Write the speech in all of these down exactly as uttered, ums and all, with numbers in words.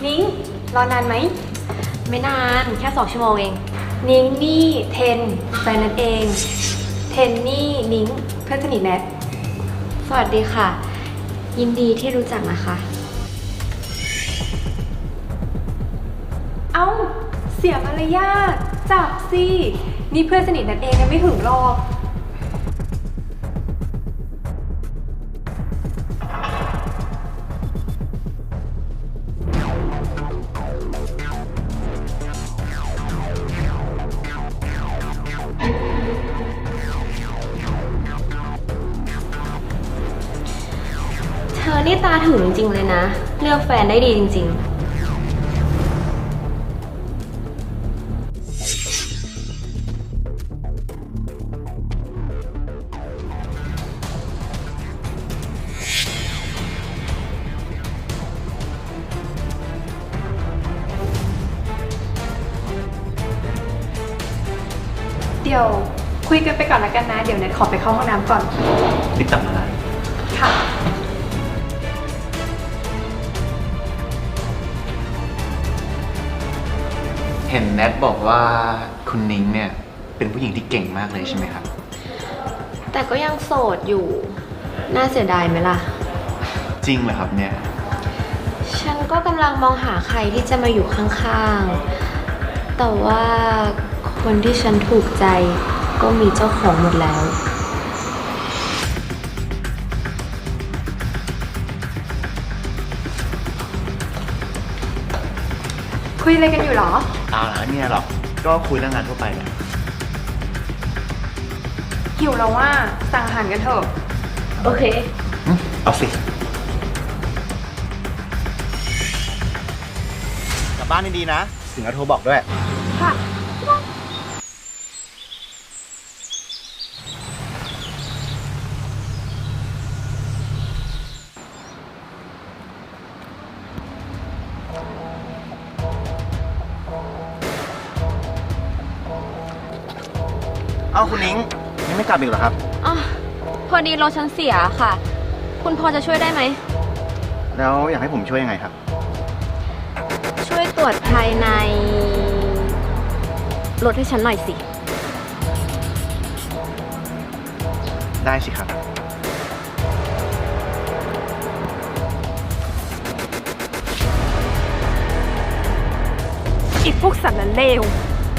นิ้งรอนานไหมไม่นานแค่สองชั่วโมงเองนิ้งนี่เทนแฟนนั่นเองเทนนี่นิ้งเพื่อนสนิทแนทสวัสดีค่ะยินดีที่รู้จักนะคะเอ้าเสียมารยาทจับสินี่เพื่อนสนิทแนทเองยังไม่ถึงหรอกเธอนี่ตาถึงจริงๆเลยนะเลือกแฟนได้ดีจริงๆเดี๋ยวคุยกันไปก่อนแล้วกันนะเดี๋ยวแนทขอไปเข้าห้องน้ำก่อนรีบกลับมาค่ะเห็นแนทบอกว่าคุณนิ้งเนี่ยเป็นผู้หญิงที่เก่งมากเลยใช่ไหมครับแต่ก็ยังโสดอยู่น่าเสียดายไหมล่ะจริงเหรอครับเนี่ยฉันก็กำลังมองหาใครที่จะมาอยู่ข้างๆแต่ว่าคนที่ฉันถูกใจก็มีเจ้าของหมดแล้วคุยอะไรกันอยู่หรออ้าวแล้วเนี่ยหรอก็คุยเรื่องงานทั่วไปแหละหิวแล้วว่าสั่งอาหารกันเถอะโอเคเอาสิกลับบ้านดีๆนะถึงจะโทรบอกด้วยค่ะเอ้าคุณนิ้งยังไม่กลับอีกเหรอครับอ๋อพอดีรถฉันเสียค่ะ คุณพอจะช่วยได้ไหมแล้วอยากให้ผมช่วยยังไงครับช่วยตรวจภายในรถให้ฉันหน่อยสิได้สิครับอีกพวกสัตว์นั้นเลว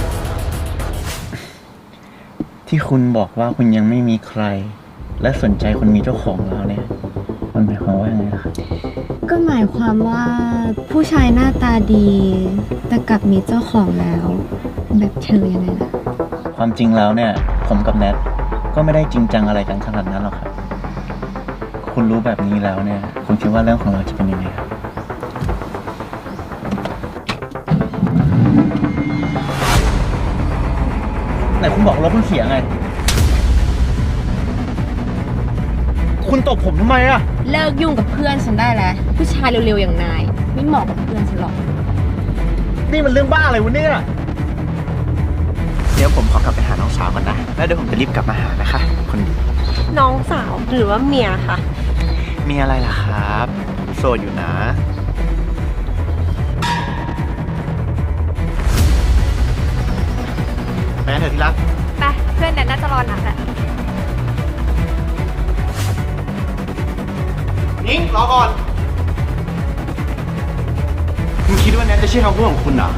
ที่คุณบอกว่าคุณยังไม่มีใครและสนใจคนมีเจ้าของแล้วเนี่ยมันหมายความว่ายังไงล่ะครับก็หมายความว่าผู้ชายหน้าตาดีแต่กลับมีเจ้าของแล้วแบบเธอยังไงล่ะความจริงแล้วเนี่ยผมกับแนทก็ไม่ได้จริงจังอะไรกันขนาดนั้นหรอกครับคุณรู้แบบนี้แล้วเนี่ยคุณคิดว่าเรื่องของเราจะเป็นยังไงครับไหนคุณบอกรถมันเสียไงคุณตบผมทำไมอะเลิกยุ่งกับเพื่อนฉันได้แล้วผู้ชายเร็วๆอย่างนายไม่เหมาะกับเพื่อนฉันหรอกนี่มันเรื่องบ้าอะไรวะเนี่ยเดี๋ยวผมขอกลับไปหาน้องสาวก่อนนะแล้วเดี๋ยวผมจะรีบกลับมาหานะคะคนดีน้องสาวหรือว่าเมียคะมีอะไรล่ะครับโสดอยู่นะไปกันเถอะที่รักไปเพื่อนแนทน่าจะรอนานแหละนิ้งรอก่อนคุณคิดว่าแนทจะเชื่อคำพูดของคุณเหรอ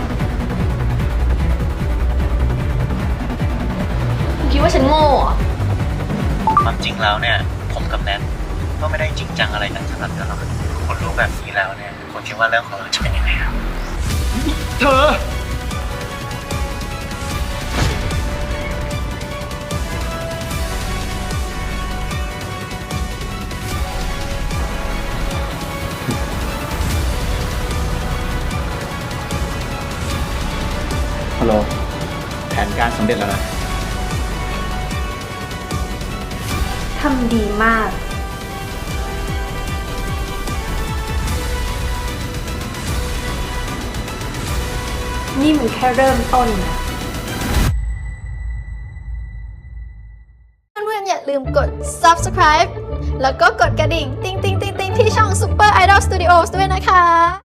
คุณคิดว่าฉันโง่เหรอความจริงแล้วเนี่ยผมกับแนทก็ไม่ได้จริงจังอะไรกันขนาดนั้นหรอกคุณรู้แบบนี้แล้วเนี่ยคุณคิดว่าเรื่องของเราจะเป็นยังไงครับเธอฮัลโหลแผนการสำเร็จแล้วนะทำดีมากนี่มันแค่เริ่มต้นนะเพื่อนๆอย่าลืมกด ซับสไครบ์ แล้วก็กดกระดิ่ง ติ๊งติ๊งติ๊งติ๊งที่ช่อง Super Idol Studios ด้วยนะคะ